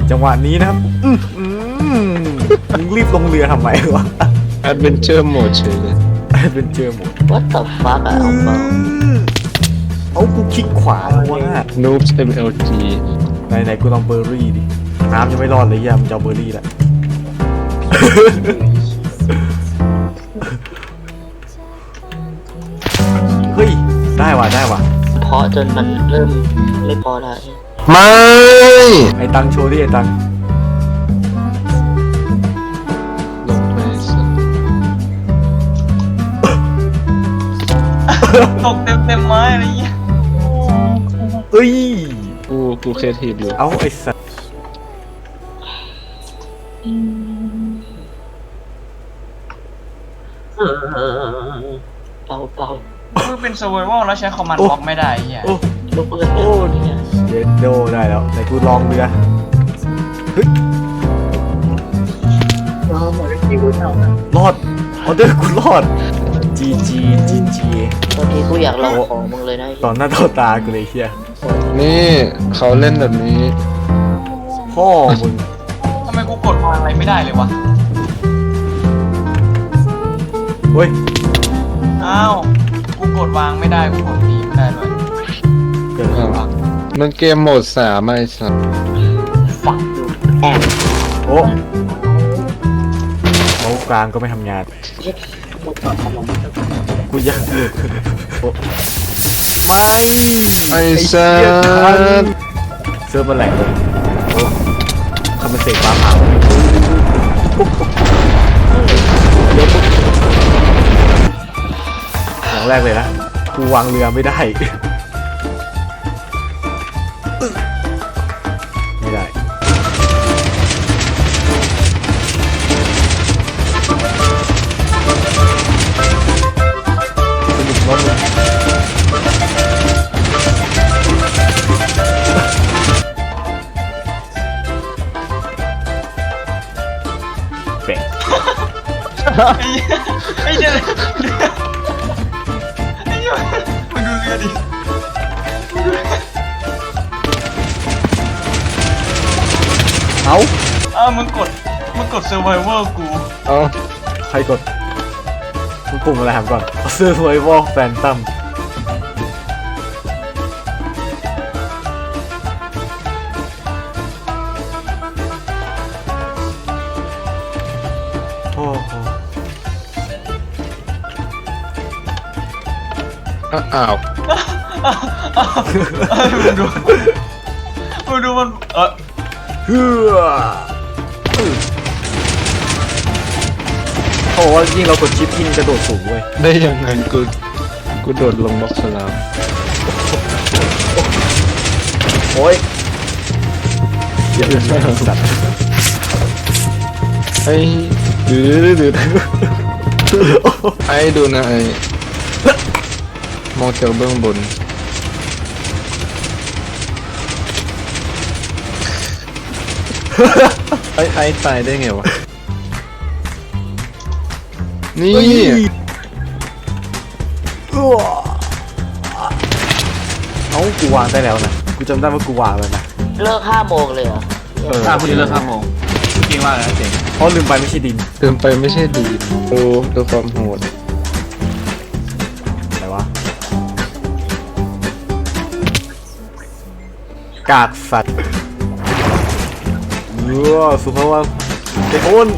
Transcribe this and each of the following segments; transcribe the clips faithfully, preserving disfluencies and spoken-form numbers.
จังหวะนี้นะครับอืมอืมมึงรีบลงเรือทำไมวะแอดเวนเจอร์โหมดเฉยเลยเป็นเจอหมด What the fuck อะเอาเปล่าเอากูคลิกขวาแล้วว่า Noobs เอ็ม แอล จีไหนไหนกูลองเบอร์รี่ดิน้ำยังไม่รอดเลยยามงจะเอาเบอร์รี่แหละ เฮ้ยได้ว่ะได้ว่ะเพราะจนมันเริ่มไม่พอแล้วไม่ไอ้ตังโชว์ดิไอ้ตังลงไปสักตกเต็มเต็มไม้อะไรเงี้ยเอ้ยกูกูเคทีฟอยู่เอาไอ้สัสเปล่าเปล่ามึงเป็น survival แล้วใช้คอมมานด์บล็อกไม่ได้ไอ้เหี้ยโอ้ลูกเรือโอ้เนี่ยเย็ดโดได้แล้วไหนกูลองเรือเฮ้ยรอดออเดอร์กูรอดจีจีจีจีบางทีกูอยากลองของมึงเลยนะตอนหน้าต่อตากูเลยเฮียนี่เขาเล่นแบบนี้พ่อมึงทำไมกูกดวางอะไรไม่ได้เลยวะเฮ้ยอ้าวกูกดวางไม่ได้กูกดตีไม่ได้ด้วยเกิดอะไรวะมันเกมโหมดสามไอ้สัสฝักอยู่แอบโอ้เมาส์กลางก็ไม่ทำงานเย็ดกูต่อขนมกูยังโอ้ไม่ไอ้สัเหี้ยทันสเซิร์ฟมันแหลกเลยโอ้ทำเป็นเสกฟ้าผ่าเดี๋ยวปุ๊บอย่างแรกเลยนะกูวางเรือไม่ได้ไม่ได้สนุกมากเลยแปะไอ้เหี้ยไอ้เหี้ยไอ้เหี้ยมึงดูเรือดิเอ้าอ้าวมึงกดมึงกด survival กูเอาใครกดมึงปุ่มอะไรถามก่อนเสื้อสวยวอลแฟนตัมโอ้โหอ้าวอ้าวเอ้ยมึงดูมึงดูมันเออเฮือโอ้ว่ายิ่งเรากดชิปยิ่งกระโดดสูงเว้ยได้ยังไงกูกูโดดลงบล็อกสลามโอ้ยเยอะเลยสัตว์ไอ้ดื้อดื้อไอ้ดูนะไอ้มองจากเบื้องบนไอ้ไอ้ตายได้ไงวะนี่เฮ้ยอ้วเอ้ากูวางได้แล้วนะกูจำได้ว่ากูวางแล้วนะเลิกห้าโมงเลยเหรอเออถ้าคุณเลิกห้าโมงจริงว่าแล้วเจ๋งเพราะลืมไปไม่ใช่ดินเติมไปไม่ใช่ดีดูดูความโหดอะไรวะกากสัตว์เออสุภาพว่าเด็กโอน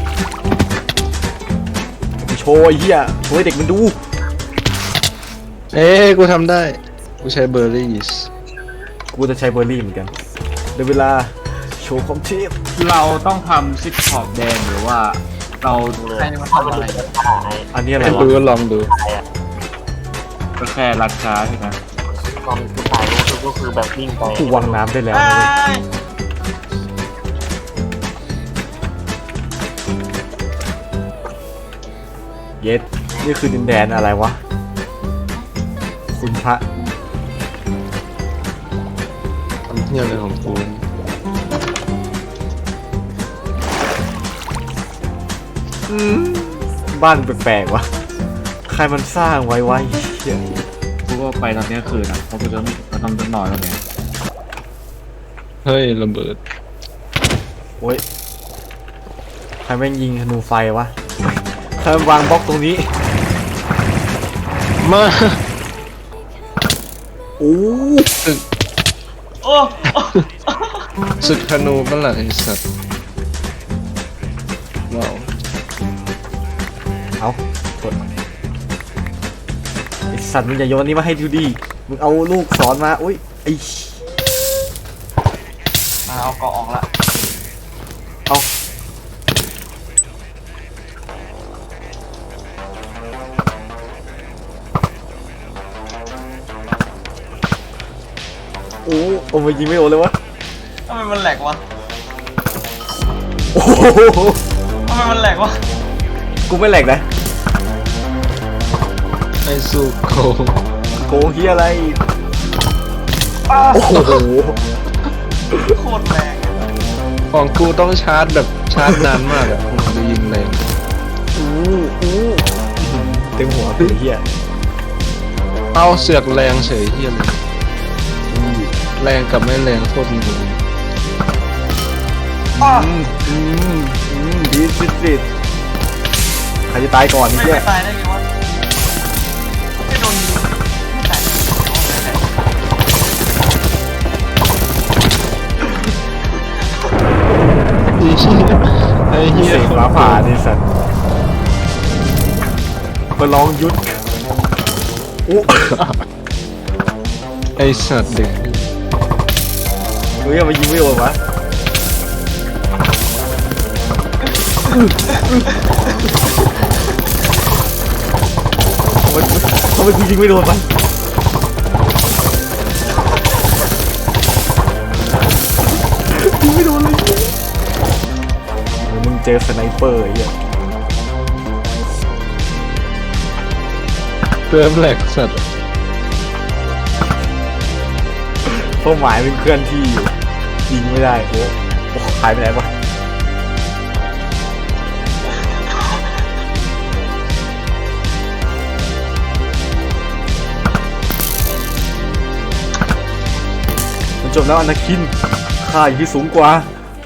โชว์ไอ้เหี้ยโชว์ให้เด็กมันดูเอ้กูทำได้ กูใช้เบอร์รี่สกูจะใช้เบอร์รี่เหมือนกันเดี๋ยวเวลาโชว์ความเทพเราต้องทำซิกขอบแดงหรือว่าเราให้มันทำอะไรอันนี้อะไรให้วะดูก็ลองดูก็แค่รัดช้าใช่ไหมตอนกูตายก็คือก็คือแบบวิ่งไปกูวางน้ำได้แล้วนะเว้ยเย็ดนี่คือดินแดนอะไรวะคุณพระทำเที่ยวอะไรของกูบ้านแปลกๆวะใครมันสร้างไว้ไว้เหี้ยกูก็ไปตอนนี้คืนอ่ะเพราะกูจะไม่เราต้องนอนแล้วเนี่ยเฮ้ยระเบิดโอ้ยใครแม่งยิงธนูไฟวะใครมันวางบล็อกตรงนี้มาโอ้ศึกโอ้ศึกธนูเมื่อไหร่ไอ้สัตว์ว้าวเอากดไอสัตว์มึงอย่าโยนนี้มาให้ดูดิมึงเอาลูกศรมาอุ้ยไอมาเอาเกาะออกละเอาโอ้โอ้มายิงไม่โดนเลยวะทำไมมันแหลกวะโอ้โหทำไมมันแหลกวะกูไม่แหลกนะไอ้สุโกโกงเฮียอะไรอ้าโอ้โหโคตรแรงอะของกูต้องชาร์จแบบชาร์จนานมากอะมึงจะยิงแรงอู้อู้เต็มหัวเป็นเฮียเอาเสือกแรงเฉยเฮียเลยแรงกับไม่แรงโคตรงงอ้าอืมอืมอืมดีสิสิใครจะตายก่อนไม่นี่เฮียตายได้ไงวะไม่โดนยิงไม่ตายได้ไงวะไอ้เหี้ยเสกฟ้าผ่าดิสัตว์มาลองยุดอู้ไอ้สัตว์เด็กเฮ้ยมายิงไม่โดนวะทำไมกูยิงไม่โดนวะยิงไม่โดนเลยมึงเจอสไนเปอร์ไอ้เหี้ยเติมแหลกสัตว์เป้าหมายเป็นเคลื่อนที่อยู่ยิงไม่ได้โอ้โอ้หายไปไหนวะมันจบแล้วอนาคินข้าอยู่ที่สูงกว่า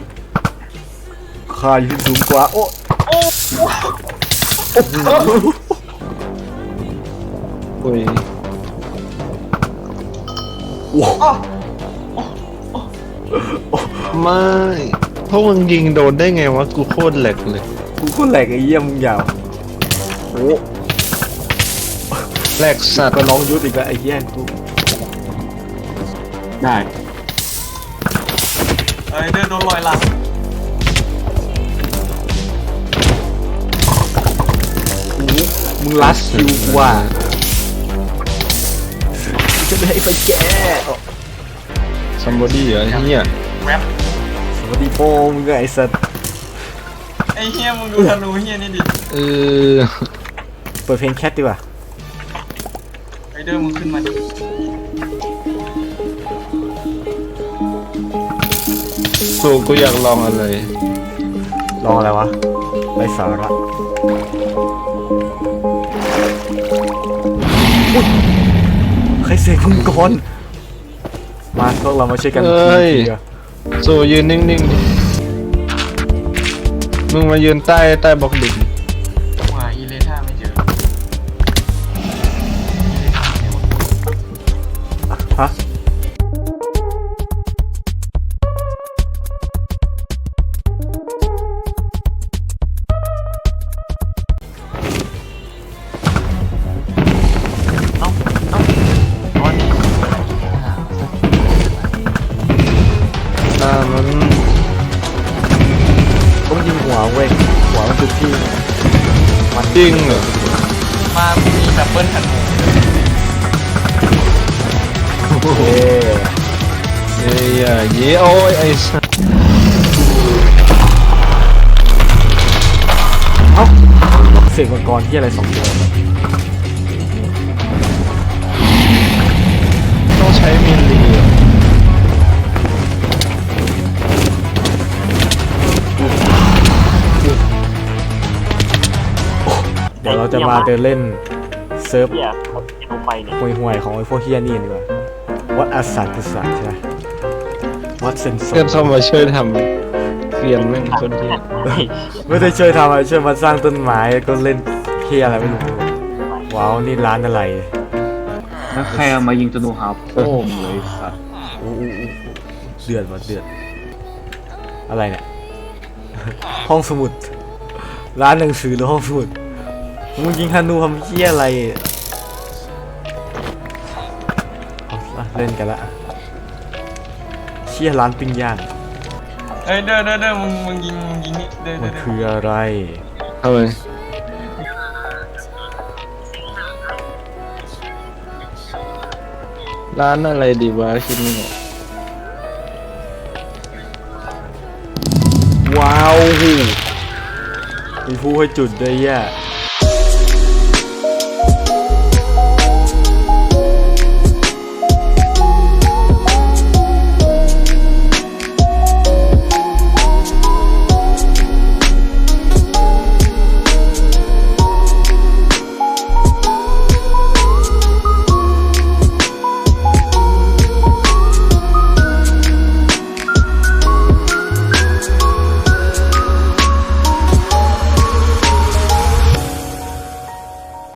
ข้าอยู่ที่สูงกว่าโอ้โอ้โอ้โหโอ้ยโอ้โหไม่พวกมึงยิงโดนได้ไงวะกูโคตรแหลกเลยกูโคนแหลกไอ้เยี่ยมมึงยาวโอ้แหลกสัตว์ก็น้องยุดอีกแล้วไอ้เยี่ยกูได้เอ้ยเดินโดนลอยหลังมึงลัดคิวกูว่ะจะไม่ให้ไปแกซัมบอดี้เหรอไอ้เหี้ยแวบสวัสดีโป้มึงไงไอ้สัตว์ไอ้เฮียมึงดูธนูเฮียนี่ดิเออเปิดเพลงแคทดีกว่าไอ้เดินมึงขึ้นมาดิสูกูอยากลองอะไรลองอะไรวะไรสาระอุ๊ยใครเสกมึงก่อนมาพวกเรามาช่วยกันเอ้ยทีเดียวสูยืนนิ่งๆดิมึงมายืนใต้ใต้บล็อกดินว่าอีเลท่าไม่เจอฮะอ่ามันต้องยิงหัวเว้ยหัวมันคือที่มันจริงเหรอมามีดับเบิลธนูเอ๊ะเอ้ยอ่ะเย้โอ้ยไอ้สัสเอ้าเสกมังกรที่อะไรสองตัวต้องใช้มิลลีเหรอเดี๋ยวเราจะมาเดินเล่นเซิร์ฟเฮียผมจะลงไปเนี่ยห่วยๆของไอ้พวกเฮียนี่ดีกว่าวัดอาสัตกุศลใช่ไหมวัดเซนโซเพื่อนเข้ามาช่วยทกรียนแม่งคนที่ไม่ได้ช่วยทำอะไรช่วยมาสร้างต้นไม้ก็เล่นเฮียอะไรไม่รู้ว้าวนี่ร้านอะไรแล้วใครเอามายิงธนูหาโป้งเลยสัตว์อู้อู้อู้เดือดว่ะเดือดอะไรเนี่ย ห้องสมุด ร้านหนังสือหรือห้องสมุดมึงยิงธนูทำเฮียอะไรเอาละเล่นกันละเชี่ยร้านปิ้งย่างเอ้ยเด้อเด้อเด้อมึงมึงยิงมึงยิงนี่เด้อมัเด้อน เด้อคืออะไรเอาไปร้านอะไรดีวะคิดไม่ออกว้าวมีผู้ให้จุดด้วยแย่